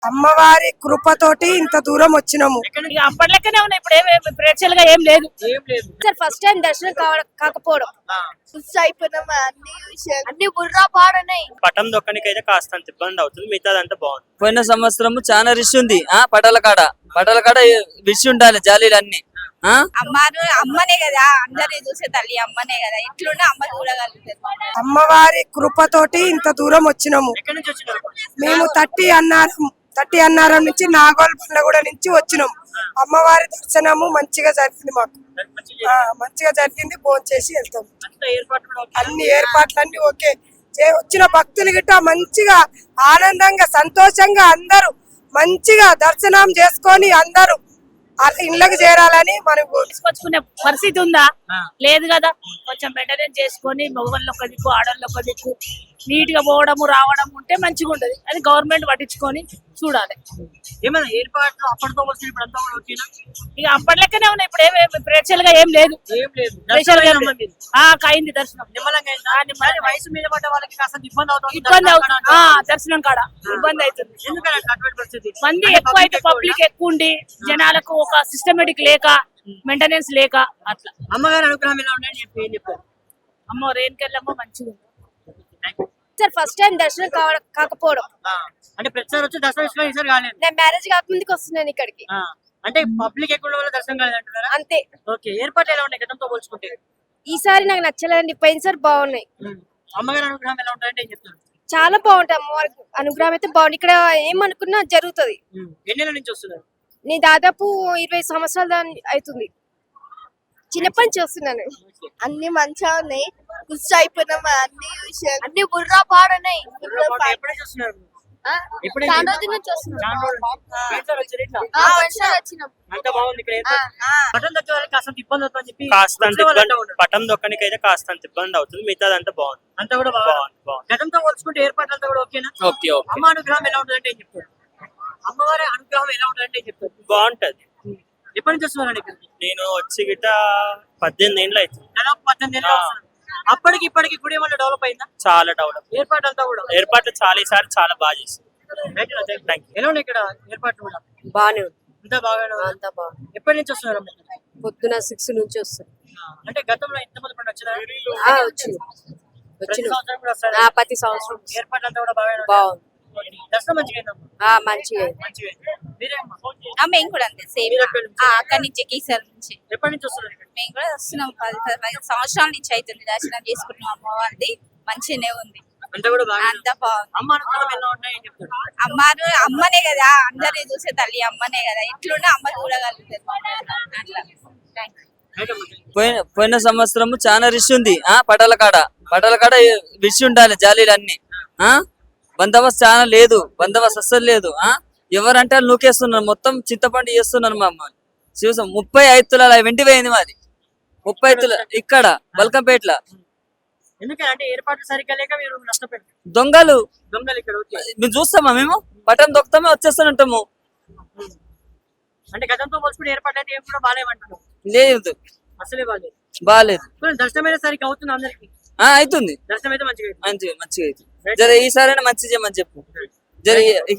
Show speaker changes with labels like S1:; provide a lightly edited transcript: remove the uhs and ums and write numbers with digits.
S1: అమ్మవారి కృపతోటి ఇంత దూరం వచ్చినాము.
S2: ఇక అప్పటిలెక్కనే ఉన్నాయి. ఇప్పుడు ఏమి ప్రేక్షల్ గా ఏం లేదు.
S3: సార్ ఫస్ట్ టైం దర్శనం కాకపోవడం అయిపోయినామా అన్ని విషయాలు అన్ని బుర్రా పాడనాయి.
S4: పటం దొక్కనికి అయితే కాస్తంత ఇబ్బంది అవుతుంది, మిగతాదంతా బాగుంది.
S5: పోయిన సంవత్సరం చాలా రిష్ ఉంది. పటాల కాడ విష్ ఉండాలి జాలీలు అన్ని.
S3: అమ్మనే కదా అందరి చూసే తల్లి అమ్మనే కదా, ఇట్లుంటే అమ్మ చూడగలుగుతారు.
S1: అమ్మవారి కృపతోటి ఇంత దూరం వచ్చినాము. మేము తట్టి అన్నారం నుంచి నాగోల్ బండగూడ నుంచి వచ్చినాం. అమ్మవారి దర్శనము మంచిగా జరిగింది, మాకు మంచిగా జరిగింది. భోజనం చేసి వెళ్తాం. అన్ని ఏర్పాట్లన్నీ ఓకే. వచ్చిన భక్తులు గిట్ట మంచిగా ఆనందంగా సంతోషంగా అందరూ మంచిగా దర్శనం చేసుకొని అందరూ ఇళ్ళకి చేరాలని మనకు
S2: తీసుకొచ్చుకునే పరిస్థితి ఉందా? లేదు కదా. కొంచెం మెయింటెనెన్స్ చేసుకొని మగవాళ్ళు ఒక దిక్కు ఆడవాళ్ళు ఒక దిక్కు నీట్ గా పోవడము రావడం ఉంటే మంచిగా ఉంటది. అది గవర్నమెంట్ పట్టించుకొని చూడాలి.
S6: ఏమైనా ఏర్పాట్లు అప్పటితో వచ్చిన ఇప్పుడు అంతా కూడా ఓకేనా?
S2: ఇక అప్పటిలెక్కనే ఉన్నాయి. ఇప్పుడు ఏమి ప్రేక్షల్ గా ఏం లేదు. అయింది దర్శనం
S6: నిమ్మలంగా అయిందా? వయసు మీద పడ్డ వాళ్ళకి కాస్త ఇబ్బంది అవుతుంది.
S2: దర్శనం కాడ ఇబ్బంది అవుతుంది.
S6: ఎందుకంటే అటువంటి పరిస్థితి
S2: మంది ఎక్కువ అయితే పబ్లిక్ ఎక్కువ ఉండి జనాలకు ఒక సిస్టమేటిక్ లేక మెయింటెనెన్స్ లేక అట్లా.
S6: అమ్మగారి అనుగ్రహం ఎలా ఉన్నాయని చెప్పి ఏం చెప్పారు?
S2: అమ్మ రేణుకెళ్ళమ్మ మంచిగా ఉంది.
S3: సార్ ఫస్ట్ టైం దర్శనం కాకపోవడం
S6: అంటే ప్రతిసారి వచ్చి దర్శనం చేసుకుని ఈసారి కాలేదు.
S3: నేను మ్యారేజ్ కాకముందుకు వస్తున్నాను ఇక్కడికి.
S6: అంటే పబ్లిక్ ఎక్కువ వల్ల దర్శనం కాలేదంటున్నారా?
S3: అంతే.
S6: ఓకే. ఏర్పాట్లు ఎలా ఉన్నాయి గతంతో పోల్చుకుంటే?
S3: ఈసారి నాకు నచ్చలేదండి, పోయినసారి బాగున్నాయి.
S6: అమ్మగారి అనుగ్రహం ఎలా ఉంటాయంటే ఏం చెప్తారు?
S3: చాలా బాగుంటాయి. అమ్మవారి అనుగ్రహం అయితే బాగుంది. ఇక్కడ ఏమనుకున్నా జరుగుతుంది.
S6: ఎన్ని నెలల నుంచి వస్తున్నారు?
S3: నేను దాదాపు 20 సంవత్సరాలు అవుతుంది. చిన్నప్పటి నుంచి వస్తున్నాను. అన్ని మంచిగా ఉన్నాయి. ఖుషి అయిపోయినామా అన్ని విషయాలు అన్ని బుర్రా పాడనాయి.
S6: ఎప్పుడే చూస్తున్నారు?
S3: చాలా రోజుల నుంచి వస్తున్నాం.
S6: అంత బాగుంది ఇక్కడ. పట్టణం దగ్గర వాళ్ళకి కాస్త ఇబ్బంది అవుతుందని చెప్పి
S4: కాస్తంత ఇబ్బంది, పటం దొక్కనికి అయితే కాస్తంత ఇబ్బంది అవుతుంది, మిగతాదంతా బాగుంది.
S6: అంతా కూడా బాగుంది. గతంతో పోల్చుకుంటే ఏర్పాట్లు అంతా కూడా ఓకేనా?
S4: ఓకే.
S6: అమ్మ అనుగ్రహం ఎలా ఉంటుందంటే ఏం చెప్తారు? అమ్మవారి అనుగ్రహం ఎలా ఉంటుందంటే ఏం చెప్తారు?
S4: బాగుంటది.
S6: ఎప్పటి నుంచి వస్తున్నారండి ఇక్కడికి?
S4: నేను వచ్చి గిట్ట 18 ఏళ్ళు అవుతుంది.
S6: దాదాపు 18 ఏళ్ళు వస్తున్నారు. అప్పటికి ఇప్పటికి గుడి ఏమన్నా డెవలప్ అయిందా?
S4: చాలా డెవలప్.
S6: ఏర్పాటు అంతా కూడా
S4: ఏర్పాట్లు ఈసారి చాలా బాగా చేస్తారు.
S6: ఎలా ఉన్నాయి ఇక్కడ ఏర్పాట్లు కూడా?
S7: బానే ఉంది.
S6: అంతా బాగానే ఉంది.
S7: అంతా బాగుంది.
S6: ఎప్పటి నుంచి వస్తున్నారు?
S7: పొద్దున 6 నుంచి వస్తాం.
S6: అంటే గతంలో ఎంతమంది పండుగ వచ్చినారు?
S7: వచ్చిన
S6: సంవత్సరం కూడా వస్తారు.
S7: ప్రతి సంవత్సరం
S6: ఏర్పాట్లు అంతా కూడా బాగానే
S7: బాగుంది.
S6: దర్శనం మంచిగా అయిందమ్మా?
S7: మంచిగా
S3: మేము కూడా అంతే సేమ్. అక్కడి నుంచి కేసీఆర్ నుంచి.
S6: ఎప్పటి నుంచి వస్తున్నారు ఇక్కడ?
S3: మేము కూడా వస్తున్నాం. 15 సంవత్సరాల నుంచి అవుతుంది దర్శనం చేసుకుంటున్నాం. అమ్మవారిది మంచిగానే ఉంది.
S6: అంతా కూడా బాగా
S3: అంతా బాగుంది.
S6: అమ్మ అనుగ్రహం ఎలా ఉన్నాయి అని చెప్తారు?
S3: అమ్మనే కదా అందరి చూసే తల్లి అమ్మనే కదా, ఇట్లుంటే అమ్మ చూడగలుగుతారు. అట్లా.
S5: పోయిన సంవత్సరం చాలా రిష్ ఉంది. పటాల కాడ విష్ ఉండాలి జాలీలు అన్ని. బందోబస్తు చాలా లేదు, బందోబస్తు అస్సలు లేదు. ఎవరంటే నూకేస్తున్నారు, మొత్తం చింతపండు చేస్తున్నారు. మా అమ్మ చూసాం 35 తులాల వెండి పోయింది మాది. 35 తులాల ఇక్కడ బల్కంపేటలో.
S6: ఎందుకంటే ఏర్పాట్లు సరిగ్గా లేక మీరు నష్టపోయారు.
S5: దొంగలు
S6: ఇక్కడ
S5: మేము చూస్తామా? మేము బటన్ దొక్కుతామే వచ్చేస్తుంటాము.
S6: అంటే గతంతో పోల్చుకుంటే ఏర్పాట్లు అయితే ఏం కూడా బాగాలేమంటున్నాం.
S5: లేదు
S6: అసలే
S5: బాగాలేదు.
S6: దర్శనం అయితే సరిగ్గా అవుతుంది అందరికి?
S5: అవుతుంది.
S6: దర్శనం అయితే మంచిగా
S5: మంచిగా అవుతుంది. జర ఈసారైనా మంచి చేయమని చెప్పు. జర